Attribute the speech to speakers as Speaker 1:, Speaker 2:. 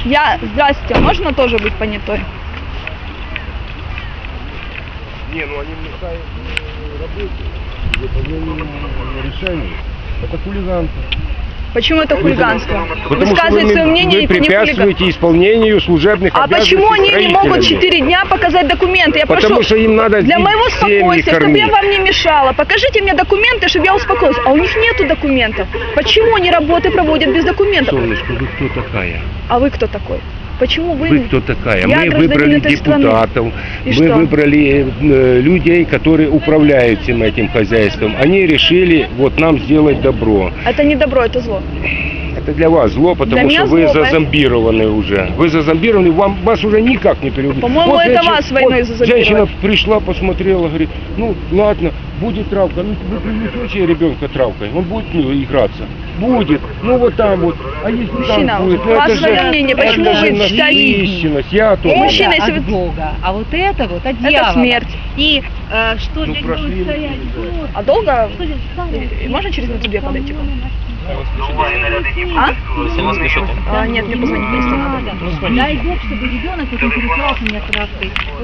Speaker 1: Здрасте, можно тоже быть понятой?
Speaker 2: Не, ну они мешают работе, выполнению решений. Это хулиганство.
Speaker 1: Почему это хулиганство?
Speaker 2: Потому что
Speaker 1: Высказывать свое мнение
Speaker 2: вы
Speaker 1: не хулиганство.
Speaker 2: препятствуете исполнению служебных
Speaker 1: А
Speaker 2: обязанностей
Speaker 1: почему они не могут
Speaker 2: строителями?
Speaker 1: 4 дня показать документы? Я
Speaker 2: Потому
Speaker 1: прошу,
Speaker 2: что им надо
Speaker 1: для моего
Speaker 2: семьи
Speaker 1: спокойствия, чтобы я
Speaker 2: кормить.
Speaker 1: вам не мешала, покажите мне документы, чтобы я успокоилась. А у них нету документов. Почему они работы проводят без документов?
Speaker 2: Солнышко, вы кто такая?
Speaker 1: А вы кто такой? Почему вы?
Speaker 2: Вы кто такая?
Speaker 1: Я
Speaker 2: Мы
Speaker 1: гражданин
Speaker 2: выбрали
Speaker 1: этой страны.
Speaker 2: депутатов,
Speaker 1: И
Speaker 2: мы
Speaker 1: что?
Speaker 2: выбрали людей, которые управляют всем этим хозяйством. Они решили вот нам сделать добро.
Speaker 1: Это не добро, это зло.
Speaker 2: Это для вас зло,
Speaker 1: Для
Speaker 2: потому
Speaker 1: меня
Speaker 2: что вы
Speaker 1: зло,
Speaker 2: зазомбированы уже. Вы зазомбированы, вас уже никак не переубедить.
Speaker 1: По-моему, это вас войной зазомбировали.
Speaker 2: Женщина пришла, посмотрела, говорит, ну ладно, будет травка. Ну вы привлечете ребенка травкой, он будет играться. Будет, ну вот там вот. А если
Speaker 1: Мужчина,
Speaker 2: там будет,
Speaker 1: у вас свое мнение, почему
Speaker 2: это
Speaker 1: вы
Speaker 2: же
Speaker 1: считаете?
Speaker 2: насыщенность, я тоже.
Speaker 1: Мужчина,
Speaker 3: Это
Speaker 1: если
Speaker 3: от
Speaker 1: вы-
Speaker 3: Бога, а вот это вот от дьявола.
Speaker 1: смерть.
Speaker 3: И что
Speaker 2: Ну,
Speaker 3: здесь
Speaker 2: прошли
Speaker 3: будет стоять?
Speaker 2: мы, да.
Speaker 1: А долго?
Speaker 3: Что здесь стоять?
Speaker 1: Можно через минуту 2 подойти к вам?
Speaker 3: А?
Speaker 1: А?
Speaker 4: Сильно спешите?
Speaker 1: Нет, мне позвонить просто надо.
Speaker 3: Дай Бог, чтобы ребенок этим переслался мне травкой.